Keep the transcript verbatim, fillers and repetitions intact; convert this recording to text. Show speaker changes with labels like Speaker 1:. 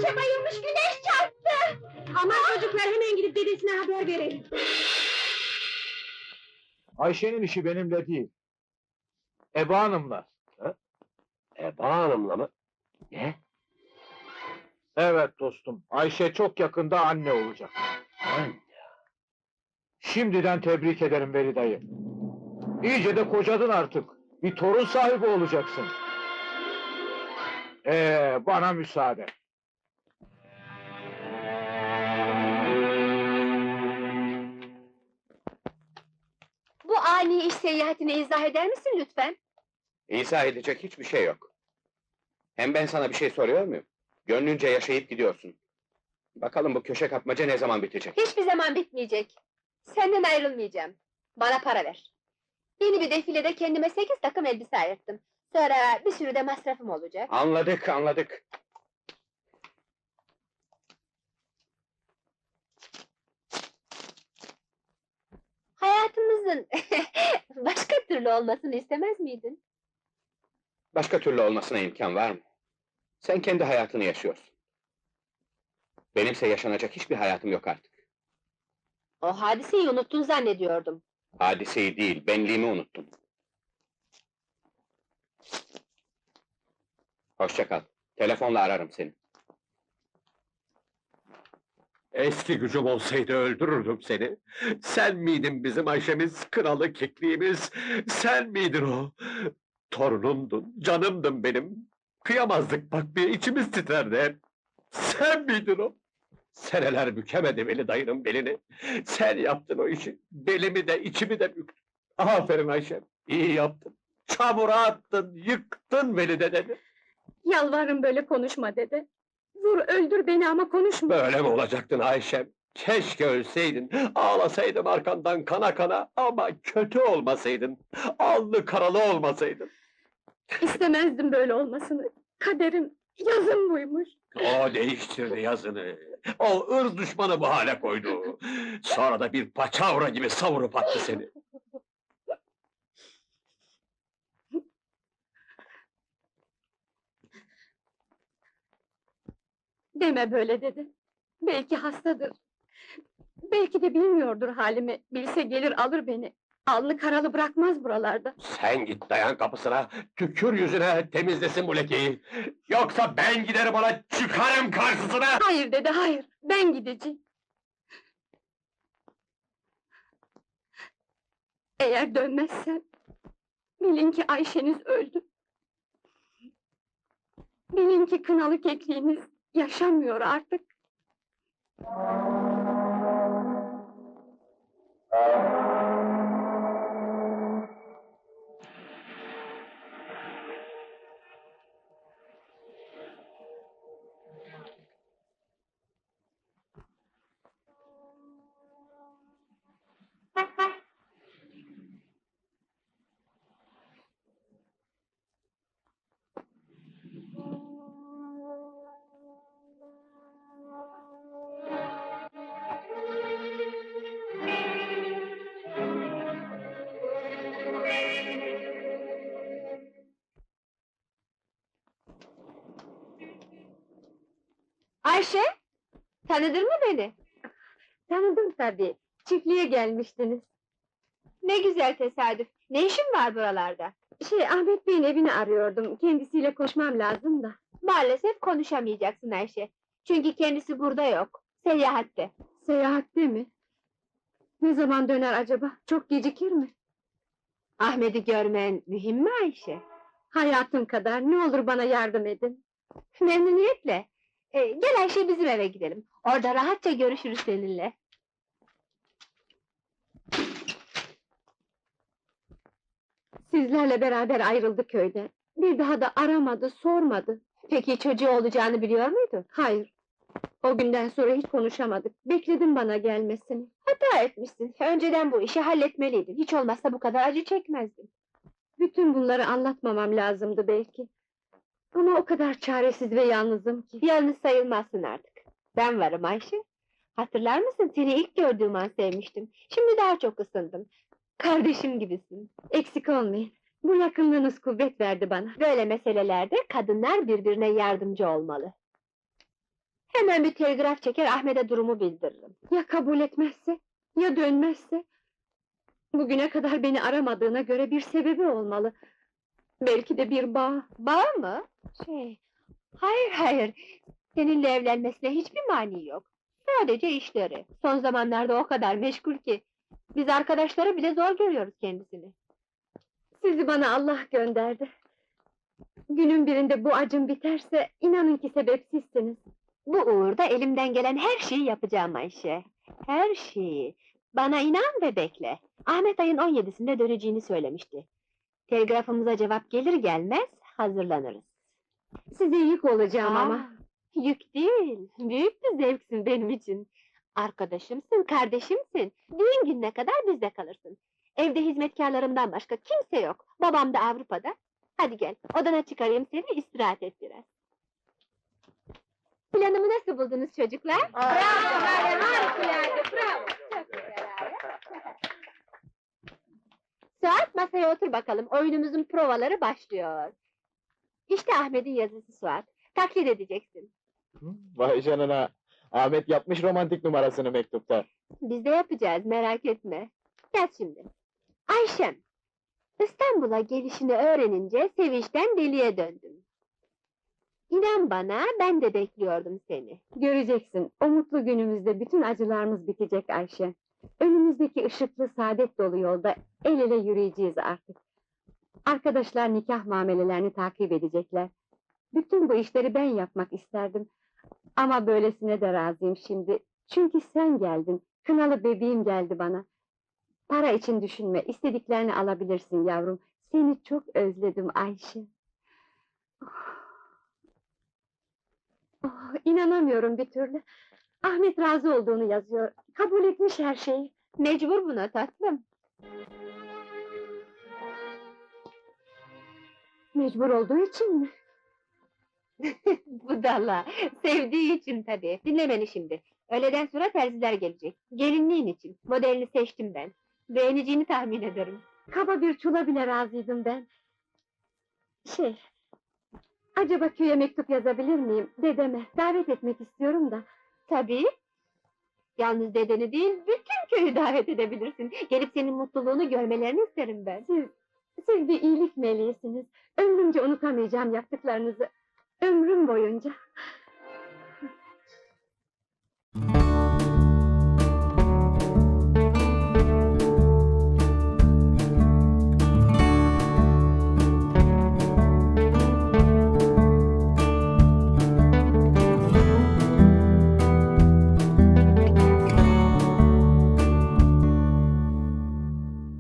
Speaker 1: Ayşe bayılmış, güneş çarptı!
Speaker 2: Aman çocuklar, hemen gidip dedesine haber verelim.
Speaker 3: Ayşe'nin işi benimle değil. Eba Hanım'la.
Speaker 4: Eba Hanım'la mı? Ne?
Speaker 3: Evet dostum, Ayşe çok yakında anne olacak.
Speaker 4: Anne.
Speaker 3: Şimdiden tebrik ederim Veli dayı. İyice de kocadın artık. Bir torun sahibi olacaksın. Ee, bana müsaade.
Speaker 1: Bu ani iş seyahatini izah eder misin lütfen?
Speaker 4: İzah edecek hiçbir şey yok. Hem ben sana bir şey soruyor muyum? Gönlünce yaşayıp gidiyorsun. Bakalım bu köşe kapmaca ne zaman bitecek?
Speaker 1: Hiçbir zaman bitmeyecek. Senden ayrılmayacağım. Bana para ver. Yeni bir defilede kendime sekiz takım elbise ayırttım. Sonra bir sürü de masrafım olacak.
Speaker 4: Anladık, anladık.
Speaker 1: Hayatımızın başka türlü olmasını istemez miydin?
Speaker 4: Başka türlü olmasına imkan var mı? Sen kendi hayatını yaşıyorsun. Benimse yaşanacak hiçbir hayatım yok artık.
Speaker 1: O hadiseyi unuttun zannediyordum.
Speaker 4: Hadiseyi değil, benliğimi unuttum. Hoşça kal. Telefonla ararım seni.
Speaker 5: Eski gücüm olsaydı öldürürdüm seni. Sen miydin bizim Ayşemiz, kralı kekliğimiz? Sen miydin o? Torunumdun, canımdın benim. Kıyamazdık bak bir, içimiz titrerdi hep. Sen miydin o? Seneler bükemedi Veli dayının belini. Sen yaptın o işi. Belimi de içimi de büktün. Aferin Ayşem, iyi yaptın. Çamura attın, yıktın Veli dedeni.
Speaker 2: Yalvarırım böyle konuşma dede. Vur öldür beni ama konuşma.
Speaker 5: Böyle mi olacaktın Ayşem? Keşke ölseydin, ağlasaydım arkandan kana kana ama kötü olmasaydın, alnı karalı olmasaydın.
Speaker 2: İstemezdim böyle olmasını. Kaderim, yazım buymuş.
Speaker 5: O değiştirdi yazını, o ırz düşmanı bu hale koydu. Sonra da bir paçavra gibi savurup attı seni.
Speaker 2: Deme böyle dedi. Belki hastadır. Belki de bilmiyordur halimi. Bilse gelir alır beni. Alnı karalı bırakmaz buralarda.
Speaker 5: Sen git dayan kapısına, tükür yüzüne, temizlesin bu lekeyi. Yoksa ben giderim ona, çıkarım karşısına!
Speaker 2: Hayır dede, hayır. Ben gideceğim. Eğer dönmezsem, bilin ki Ayşeniz öldü. Bilin ki kınalı kekliğiniz yaşamıyor artık.
Speaker 1: Ayşe, tanıdın mı beni?
Speaker 2: Tanıdım tabii. Çiftliğe gelmiştiniz.
Speaker 1: Ne güzel tesadüf. Ne işin var buralarda?
Speaker 2: Şey, Ahmet Bey'in evini arıyordum. Kendisiyle konuşmam lazım da.
Speaker 1: Maalesef konuşamayacaksın Ayşe. Çünkü kendisi burada yok. Seyahatte.
Speaker 2: Seyahatte mi? Ne zaman döner acaba? Çok gecikir mi?
Speaker 1: Ahmet'i görmen mühim mi Ayşe?
Speaker 2: Hayatım kadar, ne olur bana yardım edin.
Speaker 1: Memnuniyetle. Ee, gel Ayşe, bizim eve gidelim. Orada rahatça görüşürüz seninle.
Speaker 2: Sizlerle beraber ayrıldı köyden. Bir daha da aramadı, sormadı.
Speaker 1: Peki çocuğu olacağını biliyor muydun?
Speaker 2: Hayır. O günden sonra hiç konuşamadık. Bekledim bana gelmesini.
Speaker 1: Hata etmişsin. Önceden bu işi halletmeliydin. Hiç olmazsa bu kadar acı çekmezdin.
Speaker 2: Bütün bunları anlatmamam lazımdı belki. Ama o kadar çaresiz ve yalnızım ki.
Speaker 1: Yalnız sayılmazsın artık. Ben varım Ayşe. Hatırlar mısın, seni ilk gördüğüm an sevmiştim. Şimdi daha çok ısındım. Kardeşim gibisin.
Speaker 2: Eksik olmayın. Bu yakınlığınız kuvvet verdi bana.
Speaker 1: Böyle meselelerde kadınlar birbirine yardımcı olmalı. Hemen bir telgraf çeker, Ahmet'e durumu bildiririm.
Speaker 2: Ya kabul etmezse? Ya dönmezse? Bugüne kadar beni aramadığına göre bir sebebi olmalı. Belki de bir bağ.
Speaker 1: Bağ mı? Şey, hayır hayır, seninle evlenmesine hiçbir mani yok. Sadece işleri. Son zamanlarda o kadar meşgul ki, biz arkadaşları bile zor görüyoruz kendisini.
Speaker 2: Sizi bana Allah gönderdi. Günün birinde bu acım biterse, inanın ki sebep sizsiniz.
Speaker 1: Bu uğurda elimden gelen her şeyi yapacağım Ayşe. Her şeyi. Bana inan ve bekle. Ahmet ayın on yedisinde döneceğini söylemişti. Telgrafımıza cevap gelir gelmez hazırlanırız.
Speaker 2: Size yük olacağım
Speaker 1: Aa,
Speaker 2: ama.
Speaker 1: yük değil, büyük bir zevksin benim için. Arkadaşımsın, kardeşimsin. Düğün gününe kadar bizde kalırsın. Evde hizmetkarlarımdan başka kimse yok. Babam da Avrupa'da. Hadi gel, odana çıkarayım seni, istirahat et biraz. Planımı nasıl buldunuz çocuklar? Bravo, harikulade, bravo! Çok güzel abi. Suat, masaya otur bakalım, oyunumuzun provaları başlıyor. İşte Ahmet'in yazısı Suat, taklit edeceksin.
Speaker 3: Vay canına! Ahmet yapmış romantik numarasını mektupta.
Speaker 1: Biz de yapacağız, merak etme. Gel şimdi. Ayşem, İstanbul'a gelişini öğrenince sevinçten deliye döndüm. İnan bana, ben de bekliyordum seni.
Speaker 2: Göreceksin, o mutlu günümüzde bütün acılarımız bitecek Ayşe. Önümüzdeki ışıklı saadet dolu yolda el ele yürüyeceğiz artık. Arkadaşlar nikah muamelelerini takip edecekler. Bütün bu işleri ben yapmak isterdim. Ama böylesine de razıyım şimdi. Çünkü sen geldin, kınalı bebeğim geldi bana. Para için düşünme, istediklerini alabilirsin yavrum. Seni çok özledim Ayşe. Oh, oh, inanamıyorum bir türlü. Ahmet razı olduğunu yazıyor, kabul etmiş her şeyi.
Speaker 1: Mecbur buna tatlım.
Speaker 2: Mecbur olduğu için mi?
Speaker 1: Budala, sevdiği için tabii. Dinle beni şimdi. Öğleden sonra terziler gelecek. Gelinliğin için. Modelini seçtim ben. Beğeneceğini tahmin ederim.
Speaker 2: Kaba bir çula bile razıydım ben. Şey... Acaba köye mektup yazabilir miyim? Dedeme, davet etmek istiyorum da.
Speaker 1: Tabii. Yalnız dedeni değil, bütün köyü davet edebilirsin. Gelip senin mutluluğunu görmelerini isterim ben.
Speaker 2: Siz, siz bir iyilik meleğisiniz. Ömrümce unutamayacağım yaptıklarınızı. Ömrüm boyunca.